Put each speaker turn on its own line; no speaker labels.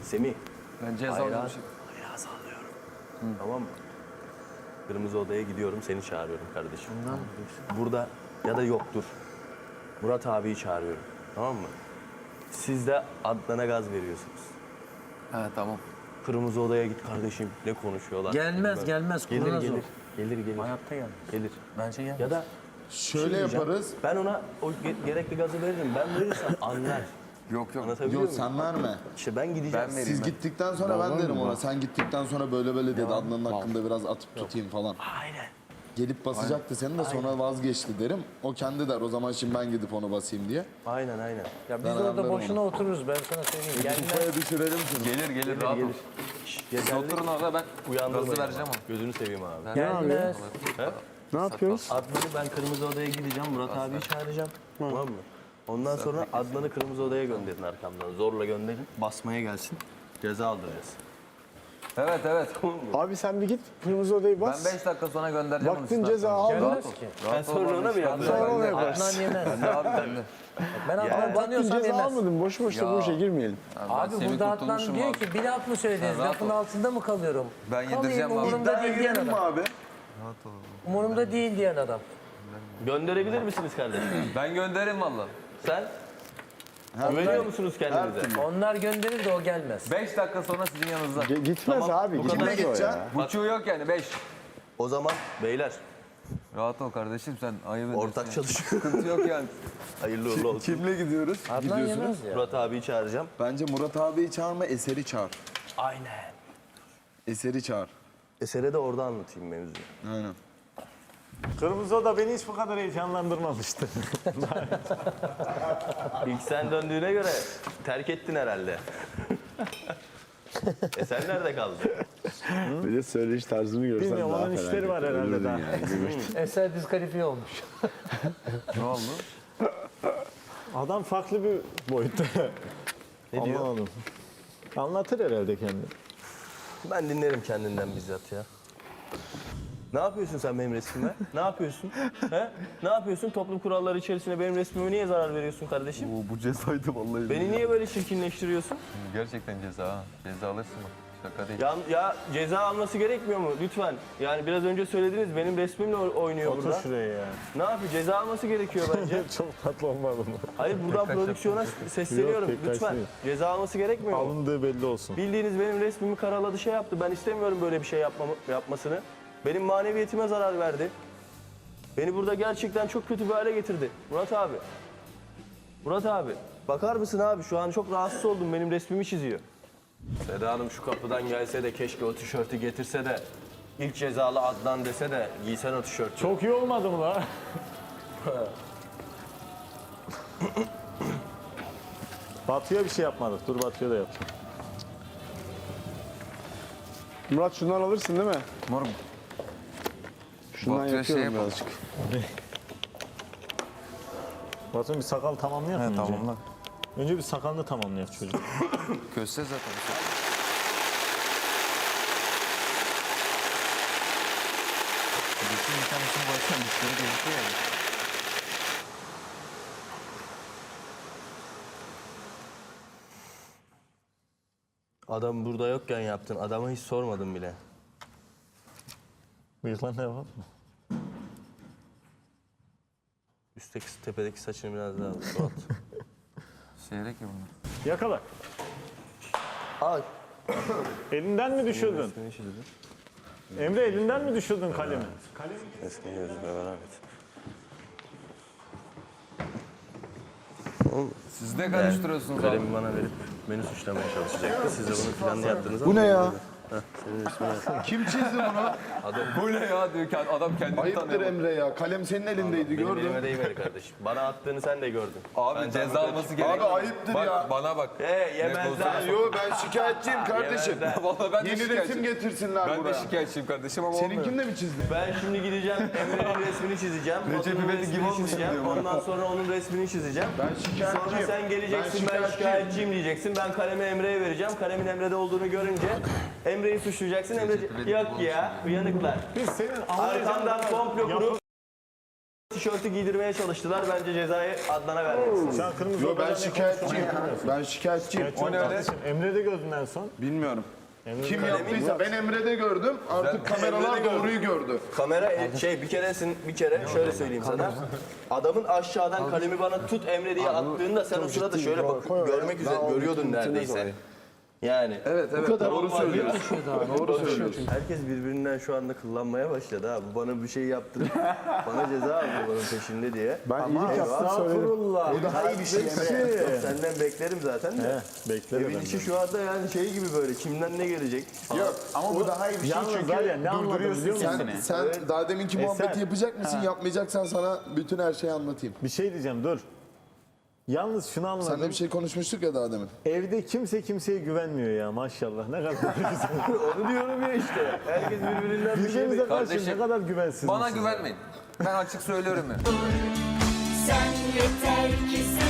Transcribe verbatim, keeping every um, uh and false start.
Semih.
Ben ceza
Hayran,
almışım.
hayran sallıyorum. Hı. Tamam mı? Kırmızı odaya gidiyorum, seni çağırıyorum kardeşim. Burada ya da yoktur. Murat abiyi çağırıyorum. Tamam mı? Siz de Adnan'a gaz veriyorsunuz.
Ha tamam.
Kırmızı odaya git kardeşim. Ne konuşuyorlar?
Gelmez,
Bilmem.
gelmez,
Gelir
kurnaz
gelir.
o.
Gelir gelir.
Hayatta gelmez.
Gelir.
Bence gelmez.
Ya da
Şöyle
diyeceğim,
yaparız.
Ben ona o ge- gerekli gazı veririm. Ben verirsem anlar.
Yok yok.
Anlatabiliyor
Yok
muyum?
sen verme.
İşte ben gideceğim.
Ben vereyim.
Siz gittikten sonra ben derim ona. Sen gittikten sonra böyle böyle dedi. Adnan'ın hakkında biraz atıp tutayım falan.
Aynen.
Gelip basacaktı seni de sonra vazgeçti derim. O kendi der o zaman şimdi ben gidip onu basayım diye.
Aynen aynen.
Ya biz
Ben
orada
ayarlarım
boşuna otururuz ben sana söyleyeyim. Gelmez.
Kafaya düşürelim seni.
Gelir gelir rahat ol.
Şşş,
Siz
geldik.
oturun orada ben
Uyandırmayın
gazı
ama.
vereceğim ama.
Gözünü seveyim abi.
Gelmez.
He?
Ne yapıyoruz?
Adnan'ı ben kırmızı odaya gideceğim. Murat abiyi çağıracağım. Tamam mı? Ondan sonra Adnan'ı kırmızı odaya gönderin arkamdan. Zorla gönderin. Basmaya gelsin. Ceza aldıracağız.
Evet evet.
Abi sen bir git kırmızı odayı
Ben
bas.
beş dakika sonra göndereceğim onu.
Baktın
size.
ceza aldın.
Gelmez ki.
Ben sonra ona mı yapacağım?
Sonra onu
Bende.
yaparsın.
Adnan yemez.
Bende abi bende.
Ben Adnan
Baktın
tanıyorsam
ceza
yemez.
almadın. Boş boş da
Ya.
bu işe girmeyelim.
Abi
Semih
burada Adnan
kurtulmuşum
diyor
abi.
ki bir laf mı söylediniz?
Sen rahat
Lafın
ol.
altında mı kalıyorum?
Ben
Kalayım,
yedireceğim abi.
umurumda değil diyen adam.
abi?
Umurumda değil diyen adam.
Gönderebilir misiniz kardeşim?
Ben gönderirim valla.
Sen? Güveniyor musunuz kendinize?
Onlar gönderir de o gelmez.
beş dakika sonra sizin yanınızda.
Ge- Gitmez
Tamam,
abi.
bu kadar
Gitmez o
gideceksin.
ya.
Buçuğu yok yani beş.
O zaman beyler
Rahat ol kardeşim sen ayıp ediyorsun.
ortak
ya.
çalışıyor.
Sıkıntı yok yani.
Hayırlı uğurlu olsun.
Kimle gidiyoruz?
Adnan yemez ya.
Murat abiyi çağıracağım.
Bence Murat abiyi çağırma, Eser'i çağır.
Aynen.
Eser'i çağır.
Eser'e de orada anlatayım mevzuyu.
Aynen.
Kırmızı oda beni hiç bu kadar heyecanlandırmamıştı.
İlk sen döndüğüne göre terk ettin herhalde. Eser nerede kaldı?
Bir de söyleyiş tarzını görsen
Bilmiyorum,
daha
onun
fena
işleri var herhalde
görürdün
daha.
yani.
Eser diskalifiye olmuş.
Ne oldu?
Adam farklı bir boyutta.
Ne diyor?
Anlamadım. Anlatır herhalde kendini.
Ben dinlerim kendinden bizzat ya. Ne yapıyorsun sen benim resmime? Ne yapıyorsun? He? Ne yapıyorsun? Toplum kuralları içerisinde benim resmime niye zarar veriyorsun kardeşim?
Oo, bu cezaydı vallahi.
Beni niye böyle çirkinleştiriyorsun?
Gerçekten ceza ha. Ceza alırsın bak. Şaka değil.
Ya, ya ceza alması gerekmiyor mu? Lütfen. Yani biraz önce söylediniz benim resmimle oy- oynuyor
Otur
burada.
şuraya ya.
Ne yapıyor? Ceza alması gerekiyor bence.
Çok tatlı olmadı mı?
Hayır buradan
Tek kaç
prodüksiyona sesleniyorum.
Yok, tek kaç
Lütfen.
değil.
Ceza alması gerekmiyor mu?
Alındığı belli olsun.
Bildiğiniz benim resmimi karaladı şey yaptı. Ben istemiyorum böyle bir şey yapmamı, yapmasını. Benim maneviyetime zarar verdi. Beni burada gerçekten çok kötü bir hale getirdi. Murat abi. Murat abi. Bakar mısın abi? Şu an çok rahatsız oldum. Benim resmimi çiziyor. Seda Hanım şu kapıdan gelse de keşke o tişörtü getirse de ilk cezalı Adnan dese de giysen o tişörtü.
Çok iyi olmadı mı la? Batu'ya bir şey yapmadık. Dur Batu'ya da yapacağım.
Murat şundan alırsın değil mi?
Morum.
Şundan
Batu'ya şey
yapıyorum
yapalım.
birazcık.
Batu'nun bir sakal tamamlayalım önce.
Tamamla.
Önce bir sakalını tamamlayalım çocuk.
Köse zaten. Bütün bir tanesini baştan dişleri gözüküyor yani.
Adam burada yokken yaptın. Adama hiç sormadım bile.
Bıyıklarına yapalım mı?
Üstteki tepedeki saçını biraz daha uzat.
Seyrek ya bunlar.
Yakala.
Al.
Elinden mi düşürdün?
Resmini çizdim.
Emre elinden mi düşürdün kalemi?
Resmini yazıp beraber et.
Siz ne karıştırıyorsunuz abi?
Kalemi bana verip beni suçlamaya çalışacaktı. Siz de bunun planını yaptınız ama...
Bu ne ya?
Heh, senin resmini yap.
Kim çizdi bunu?
Bu ne ya diyor ki adam kendini
Ayıptır
tanıyor.
Emre ya. Kalem senin elindeydi
Benim
gördüm.
elime değmedi kardeşim. Bana attığını sen de gördün.
Abi
Ben
ceza
sana-
alması gerekiyor.
Abi ayıptır
bak,
ya.
Bana bak.
He yemezler.
Yo ben şikayetçiyim kardeşim.
Yemezler.
Vallahi ben de
Yeni resim
şikayetçiyim.
getirsinler
Ben de
buraya.
şikayetçiyim kardeşim ama olmuyor.
Seninkini de mi çizdin?
Ben şimdi gideceğim Emre'nin resmini çizeceğim.
Recep
Batu'nun
İvedik gibi
resmini
olmuşsun
çizeceğim.
diyor bana.
Ondan sonra onun resmini çizeceğim.
Ben şikayetçiyim.
Sonra sen geleceksin ben,
Ben
şikayetçiyim diyeceksin. Ben kalemi Emre'ye vereceğim. Kalemin Emre'de olduğunu görünce Emre'yi suçlayacaksın. Emre
İvedik
yok ya uyanıklar.
Biz senin
Arkamdan komplo kurup tişörtü giydirmeye çalıştılar. Bence cezayı Adnan'a vermelisin.
Şu an kırmızı
Yo ben
odadan ne
şikayetçiyim.
konuştuğunu
Ben şikayetçiyim.
O ne öyle? Emre'de gördün en son.
Bilmiyorum.
Emre'de
Kim
gördün.
yaptıysa ben Emre'de gördüm. Artık
Ben
kameralar
Emre'de
doğruyu gördü.
Kamera e, şey bir keresin bir kere şöyle söyleyeyim sana. Adamın aşağıdan kalemi bana tut Emre diye attığında sen o sırada şöyle bak görmek üzere görüyordun neredeyse. Yani.
Evet evet
Bu kadar
doğru
olmaz
söylüyorsun. Doğru söylüyorsun.
Herkes birbirinden şu anda kullanmaya başladı ha. Bu bana bir şey yaptırıp bana ceza aldı bunun peşinde diye.
Ben iyilik yaptım söyledim.
Daha iyi bir şey Emre. Yok, senden beklerim zaten de.
Bekle
Evin
benden.
içi şu anda yani şey gibi böyle kimden ne gelecek?
Yok ama bu daha iyi bir şey
Yalnız
çünkü
var ya ne anladım biliyor musun?
sen, sen daha deminki muhabbeti
Eser.
yapacak mısın yapmayacaksan sana bütün her şeyi anlatayım.
Bir şey diyeceğim dur. Yalnız şunu anladım.
Seninle bir şey konuşmuştuk ya daha demin.
Evde kimse kimseye güvenmiyor ya maşallah. Ne kadar güzel.
Onu diyorum ya işte. Herkes birbirinden bir şey
Birbirimize karşı
Kardeşim,
ne kadar güvensiz.
Bana güvenmeyin. Ben açık söylüyorum ya.
Sen yeter ki sen